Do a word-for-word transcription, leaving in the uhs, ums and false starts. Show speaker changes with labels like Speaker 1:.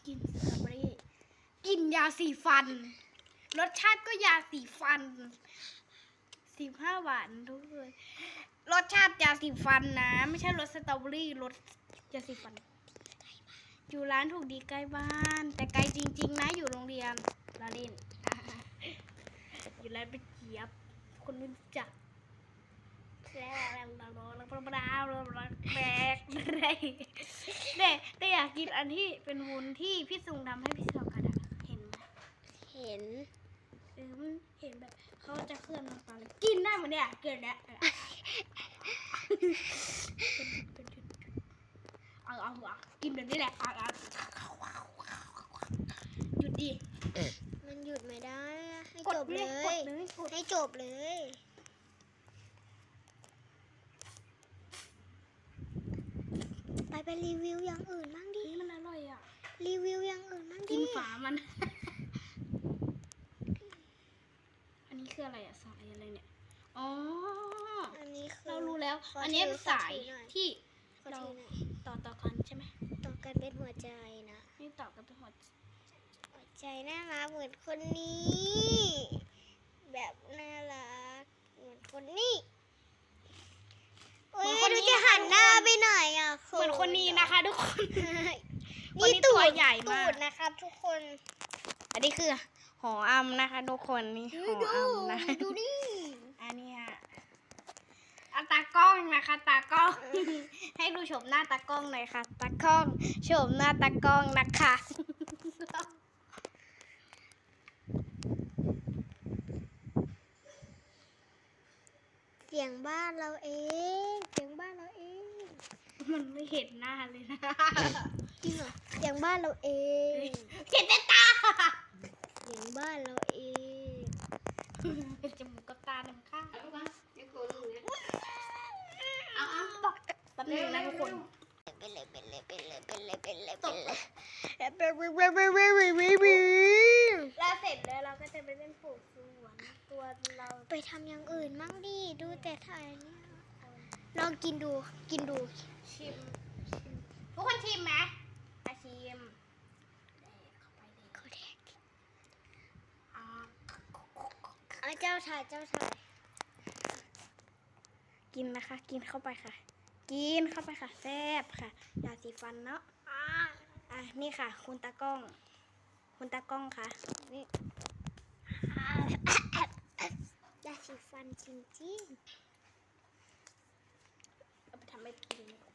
Speaker 1: กินสตรอเบอรี่กินยาสีฟันรสชาติก็ยาสีฟันสิบห้าบาททุกคนรสชาติยาสีฟันนะไม่ใช่รสสตรอเบอรี่รสยาสีฟันอยู่ร้านถูกดีใกล้บ้านแต่ไกลจริงๆนะอยู่โรงเรียนลาเล่น อยู่ร้านเป็นเจี๊ยบคนรู้จักแล้วแล้วแล้วแล้วแล้วแล้วแบกอะไรเด็กก็อยากกินอันที่เป็นวุ้นที่พี่ซุงทำให้พี่สาวกันอะเห็นไหม
Speaker 2: เห็น
Speaker 1: เออมันเห็นแบบเขาจะเคลื่อนน้ำตาลกินได้เหมือนเนี่ยเกินแล้วเอาเอาเอากินแบบนี้แหละเอาเอาหยุดดิ
Speaker 2: มันหยุดไม่ได้อะให้
Speaker 1: กด
Speaker 2: จบเลย
Speaker 1: กดเลยกด
Speaker 2: ให้จบเลยไปไปรีวิวอย่างอื่นบ้างดิ
Speaker 1: นี่มันอร่อยอ่ะ
Speaker 2: รีวิวอย่างอื่นบ้างดิ
Speaker 1: กินฝามัน อันนี้คืออะไรอะสายอะไรเนี่ยอ๋อ
Speaker 2: อันนี้คือ
Speaker 1: เรารู้แล้ว
Speaker 2: ขอ
Speaker 1: อันนี้
Speaker 2: ถือ
Speaker 1: สาย
Speaker 2: ขอถือหน่อย
Speaker 1: ที่
Speaker 2: ขอ
Speaker 1: เรา
Speaker 2: ถือหน่อย
Speaker 1: ต่อต่อกันใช่ไหม
Speaker 2: ต่อกันเป็นหัวใจนะ
Speaker 1: นี่ต่อกันทั้งหมด
Speaker 2: หัวใจน่ารักเหมือนคนนี้ แบบน่ารักเหมือนคนนี้โอ้ยไม่รู้จะหันหน้าไปไหนอ่ะ
Speaker 1: เหมือนคนนี้นะคะทุกคน คนนี้
Speaker 2: นี่ตู
Speaker 1: ตัว
Speaker 2: ด
Speaker 1: ใหญ่มาก
Speaker 2: ตูดนะครับทุกคน
Speaker 1: อันนี้คือหออำนะคะทุกคนนี่หออำนะ
Speaker 2: ดูดิ
Speaker 1: อันนี้ฮะอันตากล้องนะคะตากล้อง ให้ดูชมหน้าตากล้องหน่อยค่ะตากล้องชมหน้าตากล้องนะคะ
Speaker 2: เสียงบ้านเราเองเสียงบ้านเราเอง
Speaker 1: มันไม่เห็นหน้าเลยนะ
Speaker 2: จริงเหรอเสียงบ้านเราเอง
Speaker 1: เห็นแต่ตา
Speaker 2: เสียงบ้านเราเอง
Speaker 1: จมูกกับตาหนึ่งข้างเอาเอาบอกแป๊บนึงนะทุกคน
Speaker 2: เป็นเลยเป็นเลยเป็นเลยเป็นเลยเป็นเลย
Speaker 1: ต
Speaker 2: เป็น
Speaker 1: ก
Speaker 2: เลย
Speaker 1: แล้วเสร็จแล้วเราก็จะไปเล่นปลูกสวนตัวเรา
Speaker 2: ไปทำอย่างอื่นมั่งดิดูแต่ถ่ายเนี่ยลองกินดูกินดู
Speaker 1: ชิมชิมทุกคนชิมไหมอาชิมแดกเข้าไปเลย
Speaker 2: เขาแดก
Speaker 1: อ่า
Speaker 2: เอาเจ้าถ่ายเจ้าถ่าย
Speaker 1: กินนะคะ กินเข้าไปค่ะ กินเข้าไปค่ะแซ่บค่ะยาสีฟันเนาะอ่าอ่ะนี่ค่ะ คุณตากล้อง คุณตากล้องค่ะนี่
Speaker 2: ยาสีฟันจริง
Speaker 1: เอาไปทำให้กินดีกว่า